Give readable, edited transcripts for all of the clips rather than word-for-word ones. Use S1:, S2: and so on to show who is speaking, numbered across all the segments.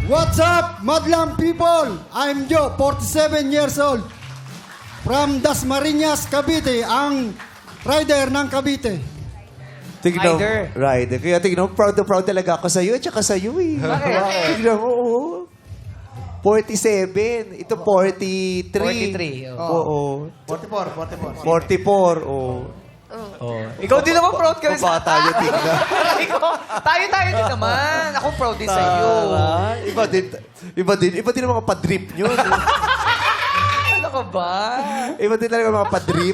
S1: What's up, Madlang people? I'm Joe, 47 years old. From Dasmariñas, Cavite, ang rider ng Cavite.
S2: Tignan,
S3: Rider.
S2: Rider. Kaya tignan mo, proud na proud talaga ako sa'yo at saka sa'yo eh.
S3: Bakit?
S2: Tignan mo, oo. 47. Ito 43.
S3: 43,
S2: Oo.
S4: 44.
S2: 44, oo.
S3: Oh. Ikaw din naman proud ka rin
S2: Baba tayo, tignan.
S3: Tayo din naman. Ako proud din sa iyo.
S2: Iba din ang mga padrip nyo.
S3: Ano ka ba?
S2: Iba din talaga ang mga padrip.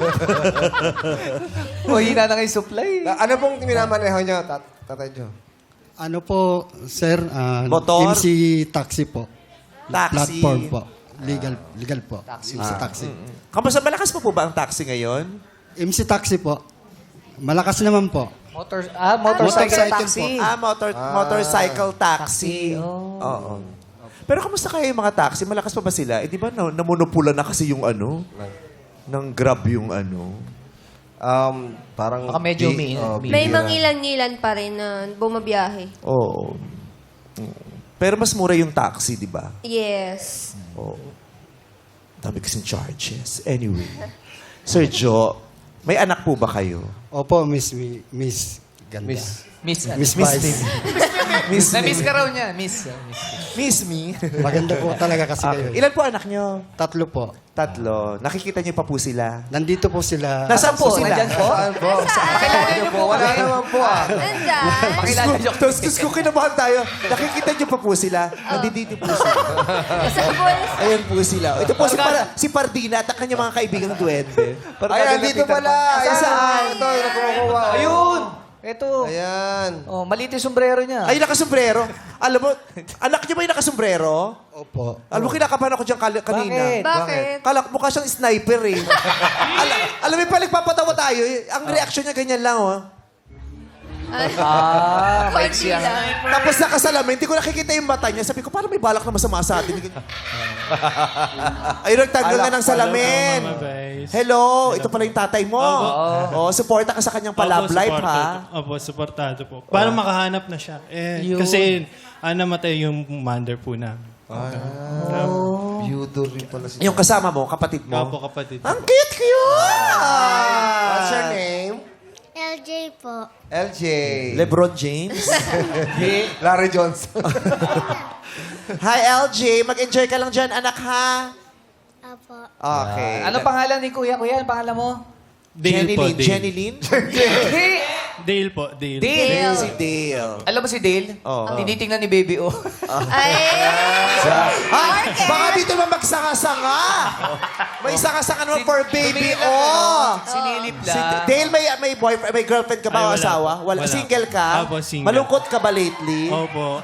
S3: O, hina na nga yung supply.
S4: Ano pong minamaneho nyo, Tatay Joe?
S1: Ano po, sir?
S2: Motor?
S1: MC Taxi po.
S2: Taxi.
S1: Platform po. Legal po. MC Taxi.
S2: Kamusta, malakas pa po ba ang taxi ngayon?
S1: MC Taxi po. Malakas naman po.
S3: Motorcycle
S1: Motorcycle
S3: taxi.
S2: Motorcycle taxi. Oo. Pero kamusta kaya yung mga taxi? Malakas pa ba sila? Eh, di ba namonopula na kasi yung ano? Ng Grab yung ano?
S4: Parang...
S3: Baka medyo
S5: May mangilan-ngilan pa rin na bumabiyahe.
S2: Oo. Pero mas mura yung taxi, di ba?
S5: Yes.
S2: Oo. Dami kasing charges. Anyway. Sir Joe, may anak po ba kayo?
S1: Opo, Miss Ganda.
S3: Miss.
S1: Miss Vice.
S3: Na-miss ka raw niya. Miss.
S2: Miss me?
S1: Maganda po talaga kasi kayo.
S2: Ilan po anak nyo?
S1: 3 po.
S2: 3. Nakikita niyo pa po sila?
S1: Nandito po sila.
S2: Nasaan po sila?
S3: Nandyan po? Pakilala niyo po.
S4: Wala naman po
S5: Nandyan.
S3: Pakilala niyo.
S2: Tapos ko kinabahan tayo. Nakikita niyo pa po sila? Nandito po sila.
S5: Sa boys.
S2: Ayan po sila. Ito po si Pardina at ang kanyang mga kaibigang duwende.
S4: Ay, andito pala. Ayan.
S2: Saan?
S4: Ito, yung kumukuha.
S3: Ayun. Ito.
S4: Ayan.
S3: Oh, maliit yung sombrero niya.
S2: Ay, nakasombrero. Alam mo, anak niyo ba yung nakasombrero?
S1: Opo.
S2: Alam mo, kinakabahan ako dyan kanina.
S5: Bakit?
S2: Kala mukha siyang sniper eh. Alam mo, pala nagpapatawa tayo. Ang reaksyon niya ganyan lang, oh.
S3: Maiksi yan.
S2: Tapos nakasalamin, hindi ko nakikita yung mata niya. Sabi ko, parang may balak na masama sa atin. Ay, nagtanggal na ng salamin. Hello, ito pala yung tatay mo. Oh, suporta ka sa kanyang pa-love life, ha?
S6: Opo, supportado po. Para makahanap na siya. Kasi namatay yung mother po namin.
S4: Beauty rin pala si...
S2: Yung kasama mo, kapatid mo.
S6: Opo, kapatid.
S2: Ang cute!
S4: What's your name?
S7: LJ po.
S4: LJ.
S2: LeBron James.
S4: Larry Johnson.
S2: Hi, LJ. Mag-enjoy ka lang dyan, anak, ha?
S7: Apo.
S2: Okay.
S3: Ano pangalan ni Kuya? Kuya, ano pangalan mo?
S6: Dale po, Dale.
S2: Jenny Lynn?
S6: Dale po, Dale.
S3: Dale.
S2: Si Dale.
S3: Alam mo si Dale?
S2: Oo.
S3: Tinitingnan ni Baby O.
S5: Ay!
S2: Ay, baka dito naman magsanga-sanga. May sanga-sanga naman for baby, oh.
S3: Sinilip
S2: Si
S3: lang.
S2: Dale, may boyfriend, may girlfriend ka ba o
S6: Ay, wala
S2: asawa?
S6: po. Wala.
S2: Single ka?
S6: Opo, single.
S2: Malungkot ka ba lately?
S6: Opo.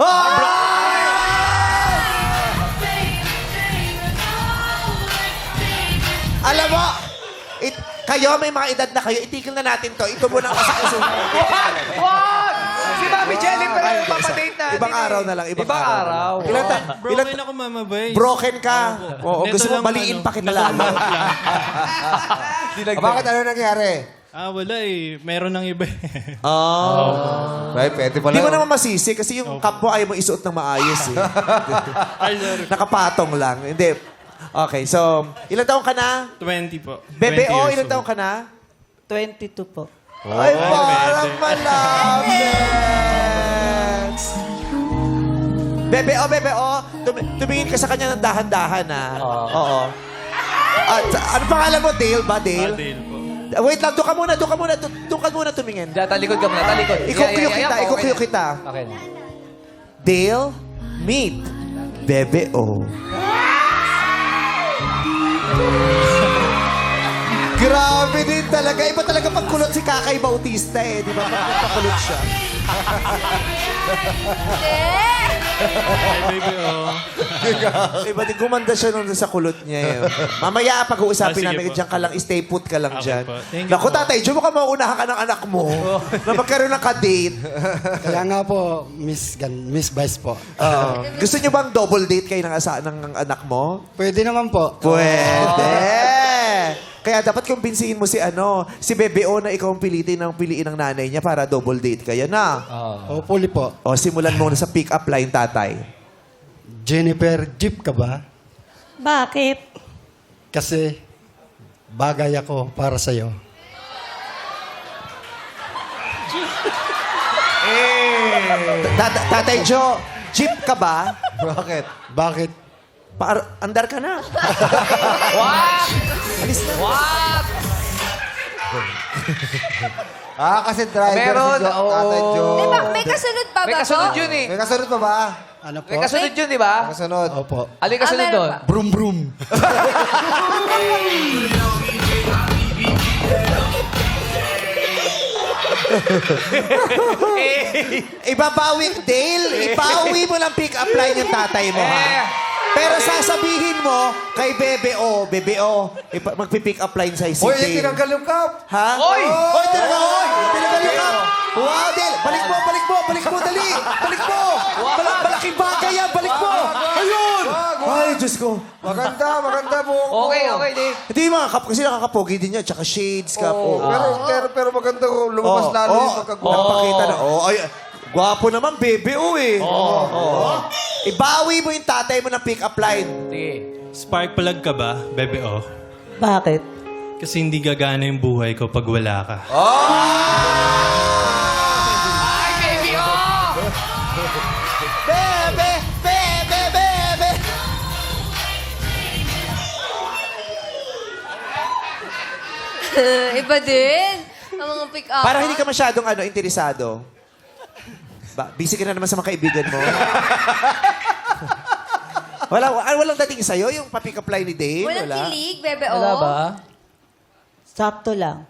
S2: Alam mo, kayo, may mga edad na kayo, itigil na natin to. Ito muna ang kasakasuhan.
S3: Wag! Si Mami Jelly pa rin yung papadate natin.
S2: Ibang araw na lang, ibang araw.
S3: Ilang
S6: Broken ako, Mama Bay.
S2: Broken ka. Oo,
S6: Neto
S2: gusto mo
S6: lang,
S2: baliin
S6: ano,
S2: pa kita lalo.
S6: nasunod lang.
S4: Bakit ano nangyari?
S6: Wala eh. Meron ng iba eh.
S2: Oh.
S4: Ay, pwede pala.
S2: Di mo naman masisi kasi yung cup mo ayaw mo isuot ng maayos eh.
S6: Ay, sorry.
S2: Nakapatong lang. Hindi. Okay, so, ilang taong ka na?
S6: 20 po.
S2: Bebe,
S6: 20 years
S2: ilang
S6: old.
S2: taong ka na?
S3: 22 po.
S2: Ay, parang
S6: pwede.
S2: malapit. Bebe, tumingin ka sa kanya ng dahan-dahan, ha? Oo. Ano pangalan mo? Dale ba? Dale?
S6: Dale po.
S2: Wait lang, doon ka muna tumingin.
S3: Diyan, talikod ka muna, talikod.
S2: Ikukuyo kita.
S3: Okay.
S2: Dale, meet Bebe O. Grabe din talaga. Iba talaga pagkulot si Kakay Bautista eh. Di ba? Pagkulot siya.
S6: Ay, baby, oh.
S2: Iba din gumanda siya nung sa kulot niya eh. Mamaya pag-uusapin
S6: Sige
S2: namin.
S6: po.
S2: Diyan ka lang. Stay put ka lang
S6: Okay
S2: dyan.
S6: po. Thank you
S2: Naku,
S6: po.
S2: tatay, Diyo mo ka mauunahan ka ng anak mo na magkaroon ng ka-date.
S1: Kaya nga po, Miss Vice po.
S2: Gusto niyo bang double date kayo ng anak mo?
S1: Pwede naman po.
S2: Pwede! Kaya dapat kumbinsihin mo si Bebe O na ikaw ang piliin ng nanay niya para double date kayo na.
S1: Hopefully po.
S2: O, simulan mo na sa pick-up line, tatay.
S1: Jennifer, jeep ka ba?
S8: Bakit?
S1: Kasi bagay ako para sa'yo.
S2: Tatay Joe, jeep ka ba?
S4: Bakit?
S1: Bakit?
S2: Andar ka na.
S3: What?
S2: Alis na.
S3: What?
S4: Kasi driver
S3: Meron,
S4: si Tatay Joe.
S5: Diba, may kasunod pa ba
S3: May kasunod yun eh.
S4: May kasunod pa ba?
S1: Ano po?
S3: May kasunod yun, di ba?
S4: May kasunod.
S1: Opo.
S3: Alin kasunod
S5: meron
S3: doon?
S5: pa.
S1: Brum brum.
S2: Ibabawi, Dale, ibawi mo ng pick-up line yung tatay mo, ha? Pero sasabihin mo kay Bebe O, magpipick up line sa si
S4: Hoy,
S2: Dale.
S4: tinanggal yung cup.
S2: Ha?
S3: Oy!
S2: Oy, talaga, oy! Tinanggal yung cup! Wow, Dale! Balik mo, dali! Balik mo! Malaking bagay yan, balik mo! Ayun! Ay, Diyos ko.
S4: Maganda buhok mo.
S3: Okay, Dave.
S2: Ito yung mga cup, kasi nakakapogi din yan, tsaka shades cup.
S4: Oo, pero maganda ko. Lumabas lalo yung pagkagwapo.
S2: Napakita na. Ay, gwapo naman, Bebe O eh. Ibawi mo yung tatay mo ng pick-up line.
S3: Sige.
S6: Spark plug ka ba, Bebe O?
S8: Bakit?
S6: Kasi hindi gagana yung buhay ko pag wala ka.
S3: Ay, baby, oh!
S2: Bebe!
S5: Iba din. Ang mga pick-up.
S2: Para hindi ka masyadong interesado. Busy ka na naman sa mga kaibigan mo. Walang dating sa'yo, yung pa-pick up line ni Dave?
S5: Walang
S2: Wala?
S5: kilig, Bebe O.
S3: Wala ba?
S8: Sakto lang.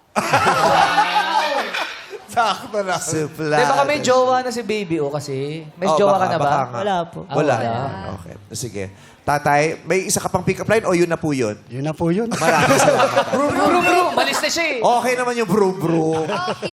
S4: Sakto na.
S2: Supla.
S3: Di baka may jowa na si baby o kasi. May jowa ka na ba?
S8: Wala po.
S2: Wala.
S3: wala.
S2: Okay. Sige. Tatay, may isa ka pang pick up line o yun na po yun?
S1: Yun na po yun.
S2: Maraming salamat.
S3: Bro, malis na siya eh.
S2: Okay naman yung bro.
S5: Okay.